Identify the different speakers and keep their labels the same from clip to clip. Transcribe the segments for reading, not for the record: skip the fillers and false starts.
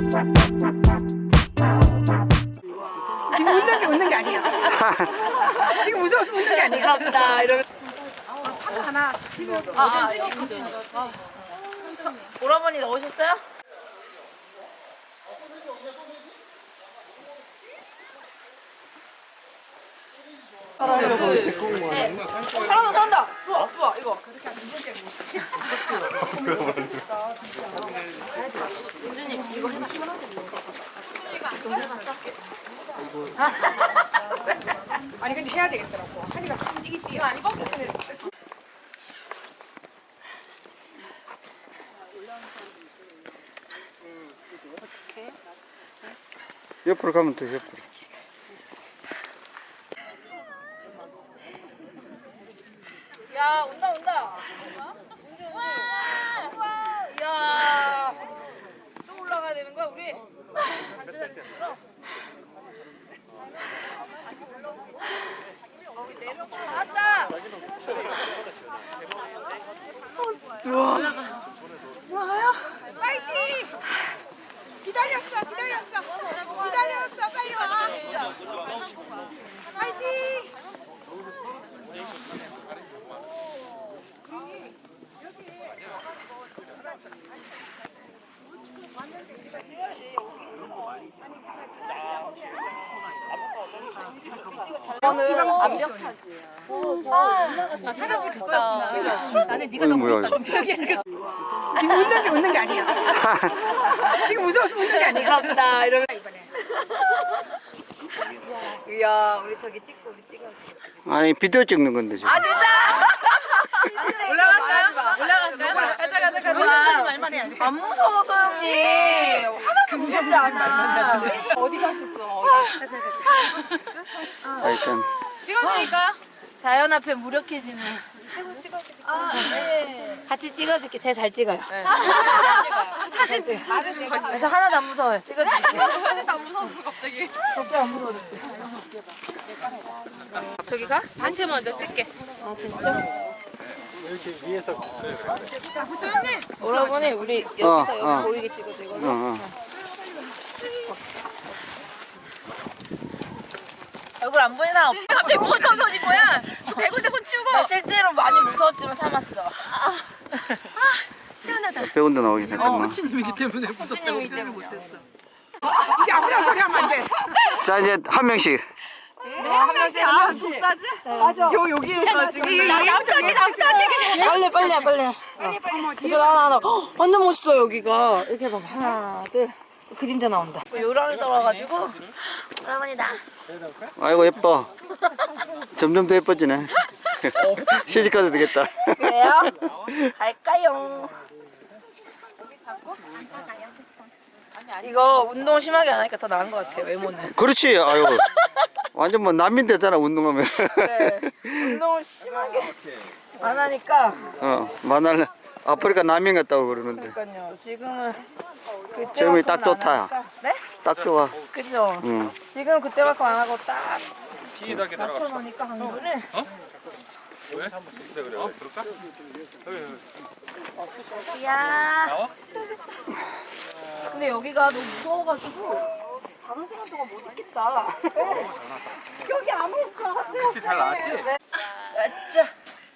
Speaker 1: 지금 웃는 게 아니야. 지금 무서워서 웃는 게 아니야.
Speaker 2: 반갑다 이러면
Speaker 1: 카드 하나 지금
Speaker 2: 오라버니 넣으셨어요? 잘한다. 좋아 이거. 윤주님 이거 해봤어? 너무 해봤어?
Speaker 1: 아니 근데 해야 되겠더라고. 하니까 이거 아니고?
Speaker 3: 옆으로 가면 돼, 옆으로.
Speaker 2: 야 온다. 운주. 이야 또 올라가야 되는 거야 우리? 거기 내려. 왔다.
Speaker 1: 파이팅! 기다렸어. 빨리 와. 파이팅!
Speaker 2: 저는 완벽하지.
Speaker 1: 사장 멋있다. 나는 네가
Speaker 3: 너무 뭐야,
Speaker 1: 지금 웃는 게 아니야. 지금 무서워서 웃는 게 아니야.
Speaker 2: 반갑다 이러면.
Speaker 1: 이번에.
Speaker 2: 이야 우리 저기 찍고 우리 찍어.
Speaker 3: 아니, 비디오 찍는 건데, 지금.
Speaker 2: 아 진짜? 올라갈까요? 가자.
Speaker 1: 말만 해야 돼.
Speaker 2: 안 무서워 소영님. 하나도 무섭지 않아.
Speaker 1: 어디 갔었어?
Speaker 3: 자, 일단.
Speaker 1: 찍어드릴까요?
Speaker 2: 자연 앞에 무력해지는.
Speaker 1: 세분 찍어드릴게요.
Speaker 2: 같이 찍어줄게. 제가 잘 찍어요.
Speaker 1: 사진
Speaker 2: 저 하나도 안 무서워요. 찍어줄게.
Speaker 1: 하나도 안 무서웠어 갑자기.
Speaker 2: 저기 가?
Speaker 1: 단체 먼저 찍게. 소영님.
Speaker 2: 오라버니 우리 여기서 여기 보이게 찍어줘 이걸로. 얼굴 안 보이는 사람 없어.
Speaker 1: 갑자기 무서워서 손인 거야. 100군데 손 치우고.
Speaker 2: 나 실제로 많이 무서웠지만 참았어.
Speaker 1: 시원하다.
Speaker 3: 배운데 나오기 잠깐만.
Speaker 4: 코치님이기 때문에
Speaker 2: 코치님이기 때문에.
Speaker 1: 이제 아무나 소리 하면 안 돼.
Speaker 3: 자, 이제 한 명씩.
Speaker 2: 한 명씩 한 명씩.
Speaker 1: 속사지? 맞아.
Speaker 4: 여기에서 지금
Speaker 1: 남편이
Speaker 2: 빨리. 저 하나. 완전 멋있어 여기가. 이렇게 봐. 하나, 둘. 그림자 나온다. 요랑이 떨어가지고 오라버니다.
Speaker 3: 아이고, 예뻐. 점점 더 예뻐지네. 시집가도 되겠다.
Speaker 2: 그래요? 갈까요? 이거 운동 심하게 안 하니까 더 나은 것 같아 외모는.
Speaker 3: 그렇지, 아유. 완전 뭐 난민 되잖아, 운동하면.
Speaker 2: 네. 운동을 심하게 안 하니까.
Speaker 3: 만날 아프리카 난민 같다고 그러는데.
Speaker 2: 그러니까요. 지금은
Speaker 3: 지금이
Speaker 2: 그때만큼은
Speaker 3: 딱
Speaker 2: 안
Speaker 3: 좋다.
Speaker 2: 하니까. 네?
Speaker 3: 딱 좋아.
Speaker 2: 그죠.
Speaker 3: 응.
Speaker 2: 지금 그때만큼 안 하고 딱 맞춰놓으니까 강도를.
Speaker 5: 왜? 그래. 그럴까?
Speaker 2: 야. 근데 여기가 너무 무서워가지고 다른 시간 동안 못 있겠다. 여기 아무것도 줄 알았어요.
Speaker 5: 혹시 잘 나왔지?
Speaker 2: 아짜.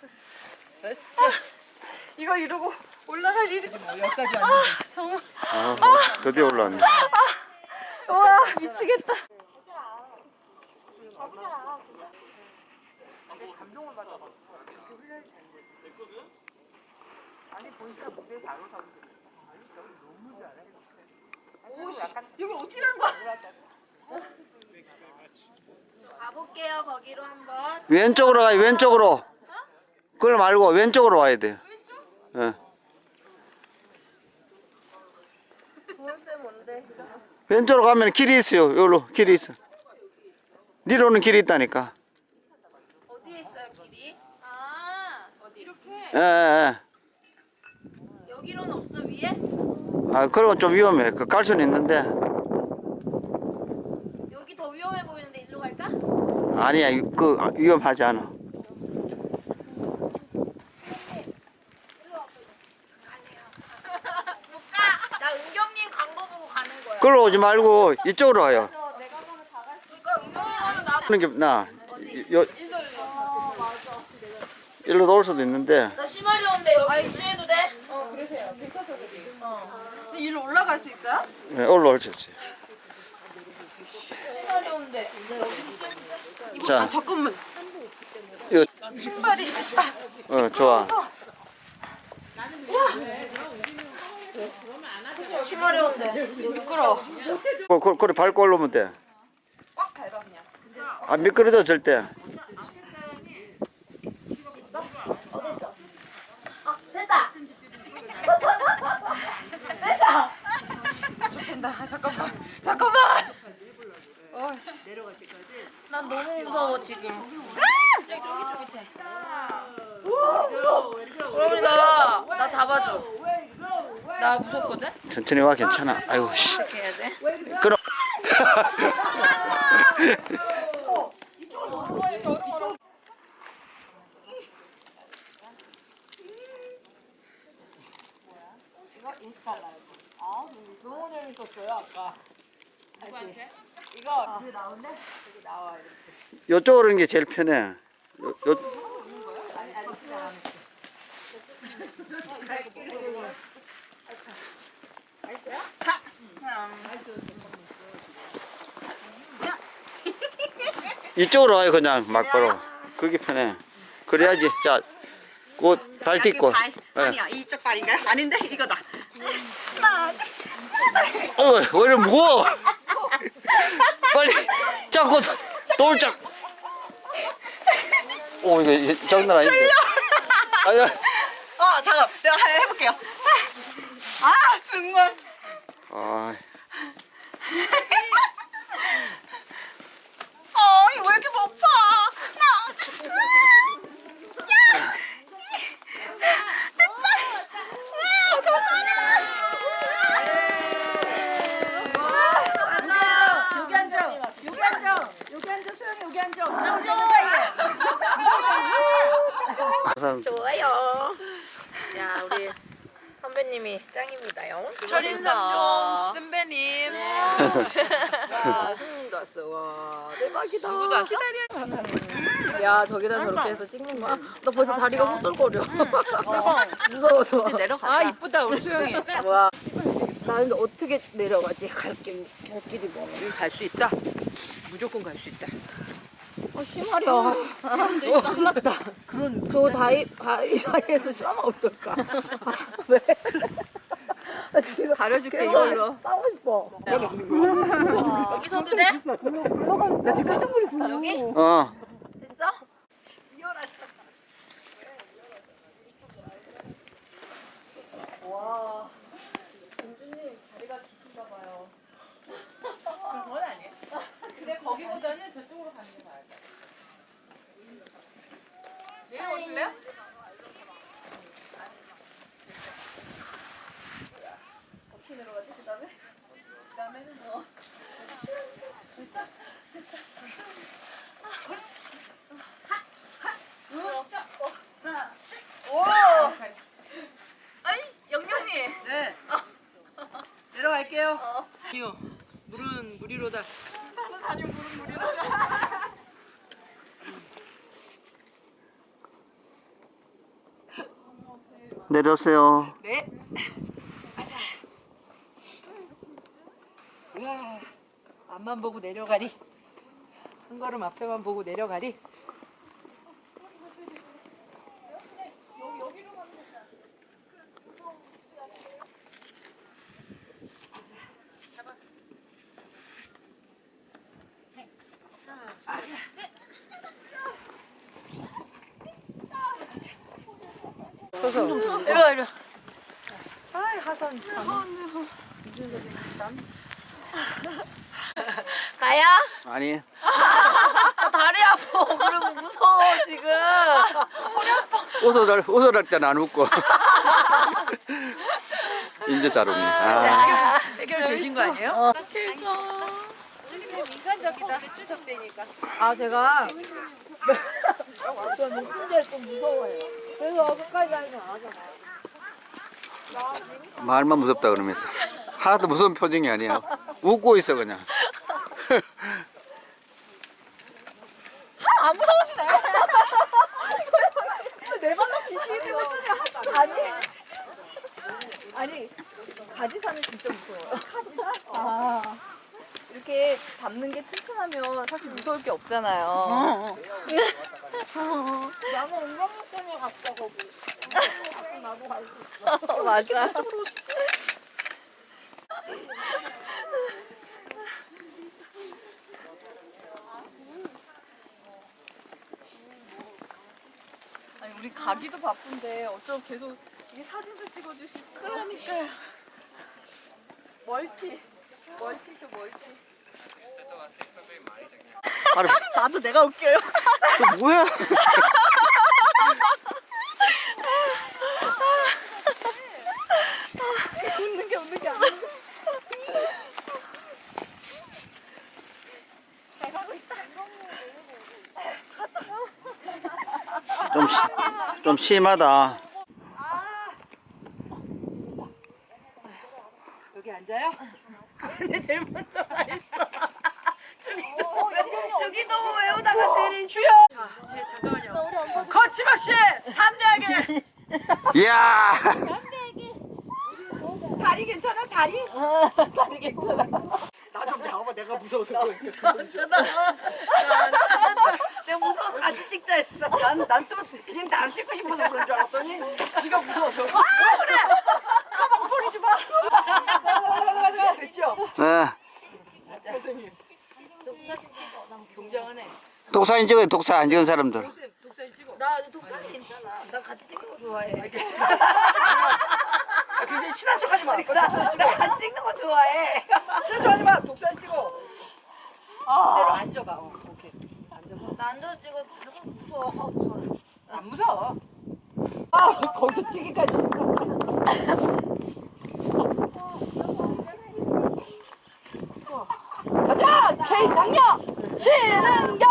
Speaker 2: 이거 이러고 올라갈 일이.
Speaker 4: 여기까지 왔는데
Speaker 3: 드디어 올라왔네.
Speaker 2: 와 미치겠다.
Speaker 1: 여기 어떻게 간 거야?
Speaker 2: 가볼게요 거기로 한번.
Speaker 3: 왼쪽으로 가요, 왼쪽으로. 그걸 말고 왼쪽으로 와야 돼요. 예.
Speaker 2: 보온쌤 뭔데?
Speaker 3: 왼쪽으로 가면 길이 있어요. 여기로 길이 있어. 니로는 길이 있다니까.
Speaker 2: 어디에 있어요 길이?
Speaker 1: 어디 이렇게?
Speaker 3: 예.
Speaker 2: 여기로는 없어 위에?
Speaker 3: 아, 그런 건 좀 위험해. 갈 수는 있는데.
Speaker 2: 여기 더 위험해 보이는데 일로 갈까?
Speaker 3: 아니야, 위험하지 않아.
Speaker 2: 나 은경님 광고 보고 가는 거야.
Speaker 3: 그걸로 오지 말고 이쪽으로 와요. 그런 게 나. 일로 놓을 수도 있는데.
Speaker 2: 나 심하려운데 여기 쉬해도 돼?
Speaker 1: 일로 올라갈 수 있어요?
Speaker 3: 네, 올라올 수 있어요.
Speaker 2: 심하려운데
Speaker 3: 자,
Speaker 1: 잠깐만.
Speaker 3: 이거
Speaker 1: 신발이.
Speaker 3: 좋아.
Speaker 2: 심하려운데
Speaker 1: 미끄러.
Speaker 3: 그래 밟고 올라오면 돼.
Speaker 1: 꽉 밟아 그냥.
Speaker 3: 안 미끄러져 절대.
Speaker 2: 됐다
Speaker 1: 좋댄다. 잠깐만. 어이씨.
Speaker 2: 난 너무 무서워 지금 그러면 나 잡아줘 나 무섭거든?
Speaker 3: 천천히 와 괜찮아. 아이고 씨.
Speaker 2: 어떻게 해야 돼?
Speaker 3: 그럼.
Speaker 2: 너무 재밌었어요 아까 이거
Speaker 3: 이쪽으로 오는 게 제일 편해. 이쪽으로 와요 그냥 막바로. 그게 편해. 그래야지. 자, 곧 발 딛고. 예.
Speaker 6: 아니야 이쪽 발인가요? 아닌데 이거다.
Speaker 3: 왜 이렇게 무거워? 빨리 잡고 돌짝. 오 이거 장난 아닌데. 아니야.
Speaker 6: 잠깐 제가 해볼게요. 아 정말.
Speaker 3: 아,
Speaker 6: 이거 왜 이렇게 높아?
Speaker 2: 좋아요 야 우리 선배님이 짱입니다요
Speaker 6: 철인삼종 선배님.
Speaker 2: 와 손님도 왔어 와 대박이다 누구도 왔어? 야 저기다 저렇게 해서 찍는 거야? 나 벌써 다리가 후들거려 무서워서
Speaker 6: 내려가자.
Speaker 1: 아 이쁘다 우리 소영이.
Speaker 2: 뭐야 나 근데 어떻게 내려가지 갈길 뭐
Speaker 6: 갈 수 있다. 무조건 갈 수 있다.
Speaker 2: 심하려 큰일 났다 저 다이에서 싸면 어떨까 왜? 지금
Speaker 6: 가려줄게
Speaker 2: 계속
Speaker 6: 이걸로.
Speaker 2: 싸우고 싶어 여기서도 돼? 여기?
Speaker 3: 어.
Speaker 2: 됐어?
Speaker 1: 근데 거기보다는 저쪽으로 가는 게 나을 것 같아. 내려오실래요? 어떻게 내려가지? 그다음에는 뭐? 오! 아이 영영이.
Speaker 6: 네. 내려갈게요. 아니요. 물은 무리로다.
Speaker 3: 내려오세요.
Speaker 6: 네. 가자. 우와. 앞만 보고 내려가리. 한 걸음 앞에만 보고 내려가리.
Speaker 2: 이리 와
Speaker 6: 아이 하선 참.
Speaker 2: 가야?
Speaker 3: 아니.
Speaker 2: 나 다리 아파 그리고 무서워 지금
Speaker 3: 웃어랄 때는 안 웃고. 이제 잘 웃네. 아.
Speaker 6: 해결되신 거 아니에요?
Speaker 1: 인간적이다. 추석되니까.
Speaker 2: 아 제가 저는 혼자 좀 무서워요 그래서 끝까지 다니면 안 하잖아요
Speaker 3: 말만 무섭다 그러면서 하나도 무서운 표정이 아니야. 웃고 있어 그냥.
Speaker 6: 안 무서우시네. 내 발로 귀신이 되고 아니. 아니 가지사는 진짜 무서워요. 가지사? 아. 이렇게 잡는 게 튼튼하면 사실 무서울 게 없잖아요.
Speaker 2: 나는 엉덩이 때문에 갔어 거기. 나도 갈 수 있어.
Speaker 6: 맞아. 아니 우리 가기도 바쁜데 어쩜 계속 이 사진도 찍어주시고. 그러니까요. 멀티쇼.
Speaker 3: 아니,
Speaker 6: 나도 내가 웃겨요.
Speaker 3: 저 뭐야?
Speaker 6: 웃는 게 아니야.
Speaker 3: 좀 심하다.
Speaker 6: 여기 앉아요?
Speaker 2: 저기 너무 외우다가 제일 주요.
Speaker 6: 자, 잠깐만요. 거침없이 담대하게.
Speaker 3: 이야.
Speaker 6: 다리 괜찮아? 다리? 다리 괜찮아.
Speaker 4: 나 좀 잡아봐. 내가 무서워서 그래.
Speaker 2: 내가 무서워서 같이 찍자 했어.
Speaker 6: 난 또 그냥 나 찍고 싶어서 그런 줄 알았더니 지가 무서워서. 아 그래. 가방 버리지 마. 맞아. 됐죠?
Speaker 3: 네.
Speaker 6: 선생님. 굉장하네.
Speaker 3: 독사진 찍어요. 독사 안 찍은 사람들.
Speaker 6: 독사진 찍어.
Speaker 2: 나 독사는 괜찮아. 나 같이 찍는 거 좋아해.
Speaker 6: 아, 굉장히 친한 척하지 마. 독사진 찍어.
Speaker 2: 나 같이 찍는 거 좋아해.
Speaker 6: 친한 척하지 마. 독사진 찍어. 그대로 앉아봐. 오케이. 앉아서.
Speaker 2: 나 앉아서 찍어. 무서워.
Speaker 6: 안 무서워. 아 거기서 뛰기까지. 가자 K 장녀 신은경.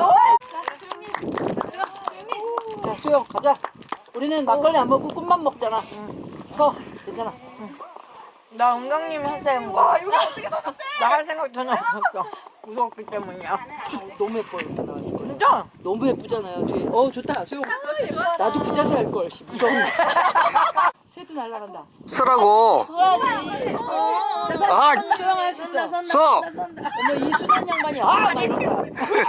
Speaker 6: 자 수영 가자. 우리는 막걸리 안 먹고 꿈만 먹잖아. 서 괜찮아.
Speaker 2: 나 은강님이 할 때
Speaker 6: 와 여기 어떻게 서셨대?
Speaker 2: 나갈 생각 전혀 없었어. 무서웠기 때문이야.
Speaker 6: 너무 예뻐 이렇게 나왔어.
Speaker 2: 진짜?
Speaker 6: 너무 예쁘잖아요 뒤에. 좋다 수영. 나도 부자세 할 걸. 무서운데. 새도 날아간다.
Speaker 3: 서라고. 아,
Speaker 2: 수영할 수 있어.
Speaker 3: 서.
Speaker 6: 어머 이 순한 양반이 막 이런다.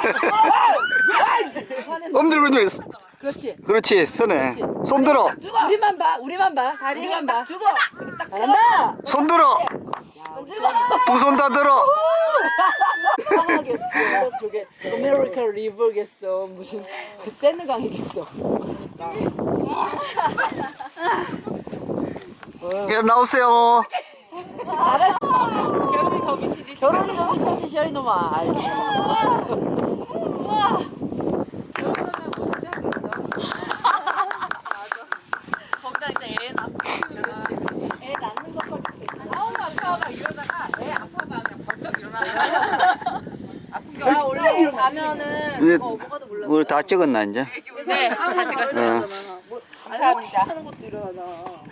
Speaker 3: 엄들고 있는.
Speaker 6: 그렇지.
Speaker 3: 그렇지. 서네. 손 들어.
Speaker 6: 우리만 봐. 우리만 봐. 우리만 봐.
Speaker 2: 죽어.
Speaker 6: 잘한다.
Speaker 3: 손 들어. 두 손 다 들어.
Speaker 6: 하겠어. 저게 아메리카 리버겠어. 무슨 세느강이겠어.
Speaker 3: 예, 나오세요.
Speaker 2: 결혼이 더 미치지.
Speaker 6: 결혼이 너무 미치시야 이놈아.
Speaker 2: 거기다 이제 애 낳고. 그렇지. 애 낳는 것까지 괜찮아. 아파 이러다가 애 아파봐 그냥 벌떡 일어나면. 아픈 게 원래 가면은
Speaker 3: 이제
Speaker 2: 오버가도 몰라.
Speaker 3: 우리 다 찍었나 이제?
Speaker 2: 네, 다 들었어요.
Speaker 3: 어.
Speaker 2: 감사합니다. 하는 것도 일어나나.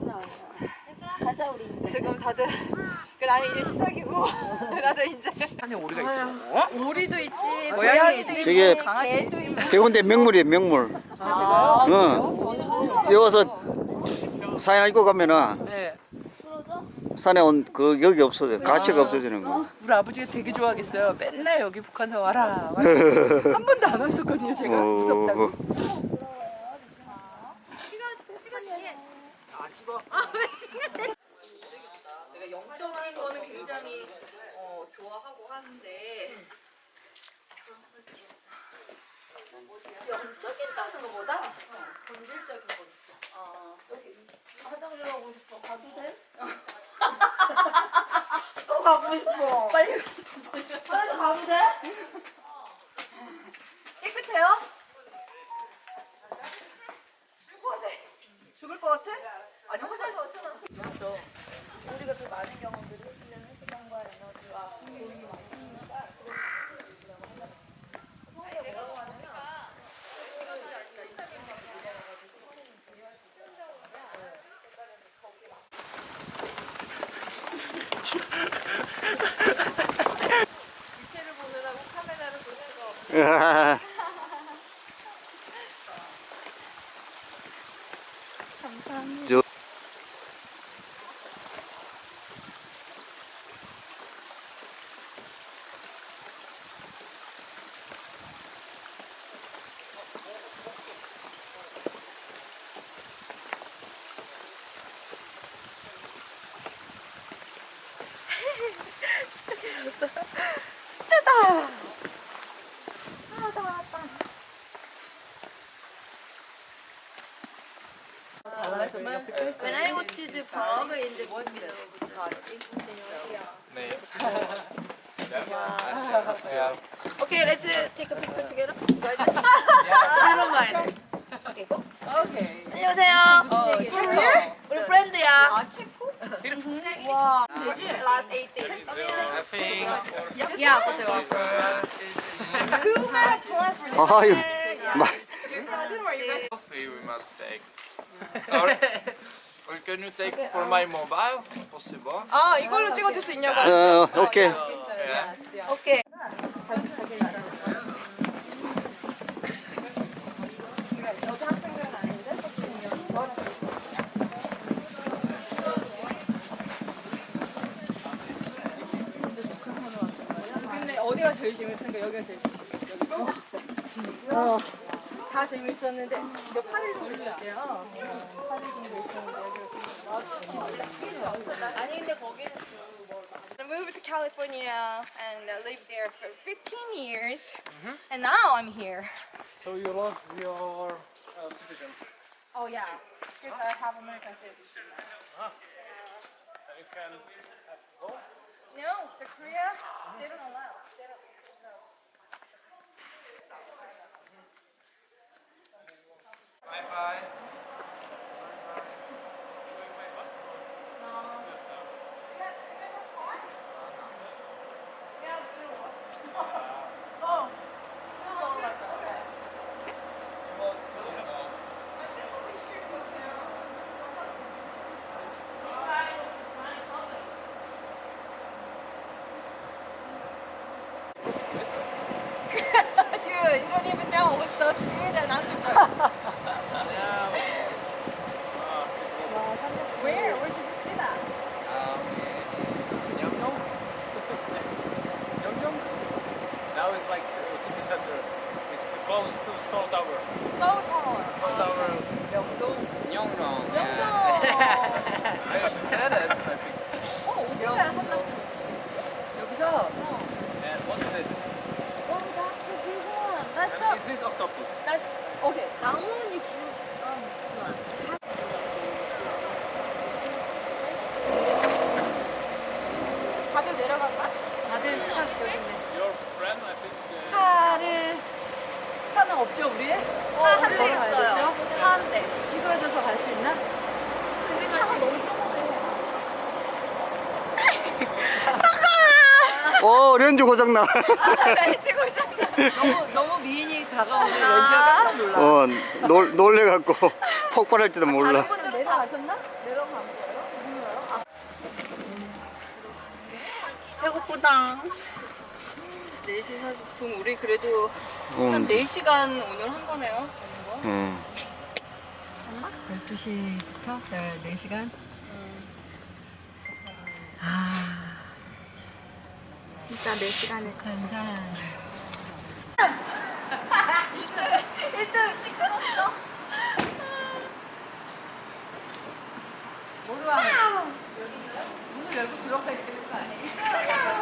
Speaker 2: 가자 우리. 지금 다들 나는 이제 시작이고 나도 이제.
Speaker 4: 안에 오리가 있어.
Speaker 6: 오리도 있지.
Speaker 4: 고양이 있지.
Speaker 3: 저게
Speaker 2: 개도 있고.
Speaker 3: 대군대 명물이에요 명물. 응. 여기 와서 사연 읽고 가면은
Speaker 6: 네.
Speaker 3: 산에 온 그 여기 없어져. 가치가 없어지는 거.
Speaker 6: 우리 아버지가 되게 좋아하겠어요. 맨날 여기 북한서 와라. 한 번도 안 왔었거든요. 제가 무섭다고.
Speaker 2: 내가 영적인 거는 굉장히 좋아하고 하는데 영적인다는 것보다 본질적인 거 있어. 여기 화장실 가고 싶어. 가도 돼? 또 가고 싶어. 빨리 가도 돼? 깨끗해요? 죽을 것 같아? 아니 화장실 어쩌나? 우리가 더 많은 경험들을 해주려는 시간과 에너지와 돈이 많으니까 내가 하니까
Speaker 3: 저
Speaker 2: When I go to the Prague in the Okay, let's take a picture together. I don't mind. Okay, go.
Speaker 6: 오케이.
Speaker 2: 안녕하세요. 우리 프렌드야.
Speaker 6: Last 8 days.
Speaker 5: I think
Speaker 2: 야,
Speaker 3: 아유 막
Speaker 5: coffee we must take. Or can you take for my mobile? It's possible.
Speaker 6: 아, 이걸로 찍어줄 수 있냐고.
Speaker 3: 오케이.
Speaker 5: Yeah.
Speaker 2: 오케이.
Speaker 6: 근데 어디가 제일 재밌었는가? 여기가 제일 재밌었어. 다 재밌었는데 근데 8일 정도 있대요. 8일 정도 있었는데
Speaker 2: 아니 근데 거기는
Speaker 7: I moved to California and lived there for 15 years, and now I'm here.
Speaker 8: So you lost your citizen.
Speaker 7: Oh yeah, because I have American citizenship.
Speaker 8: You can vote.
Speaker 7: No, the Korea, they don't allow. They don't. No.
Speaker 5: Bye bye.
Speaker 7: Dude, you don't even know. It was so screwed and I'm super. Where? Where did you see that?
Speaker 8: Yeongnam. Yeongnam. Now it's like city center. It's close to Seoul Tower.
Speaker 7: Seoul Tower.
Speaker 8: Seoul Tower.
Speaker 7: 영동.
Speaker 8: I said it. I think.
Speaker 7: 어디야? 한번.
Speaker 6: 여기서
Speaker 8: And what is it?
Speaker 7: Oh, that's a big one. That's
Speaker 8: And
Speaker 7: a.
Speaker 8: is it octopus?
Speaker 7: That. Okay. 나무는 다들 내려갈까?
Speaker 6: 다들 차 여기네.
Speaker 8: Your friend, I think.
Speaker 6: 차는 없죠 우리?
Speaker 2: 차 한 대 있어요. 차 한 대.
Speaker 6: 찌그러져서 갈 수 있나?
Speaker 2: 근데 차가 너무
Speaker 3: 오 렌즈 고장나.
Speaker 6: 너무 미인이 다가오면 렌즈가 깜짝 놀라.
Speaker 3: 놀래갖고 폭발할지도 몰라.
Speaker 6: 내려가셨나? 내려간 거예요? 누구요?
Speaker 2: 배고프다.
Speaker 6: 4시 40분 우리 그래도 한
Speaker 3: 음.
Speaker 6: 4시간 오늘 한 거네요.
Speaker 3: 음.
Speaker 6: 12시부터 4시간?
Speaker 1: 진짜 4시간을
Speaker 6: 감사.
Speaker 2: 1등 시끄럽어.
Speaker 6: 뭐로 하는 문을 열고 들어가야 되는 거 아니에요?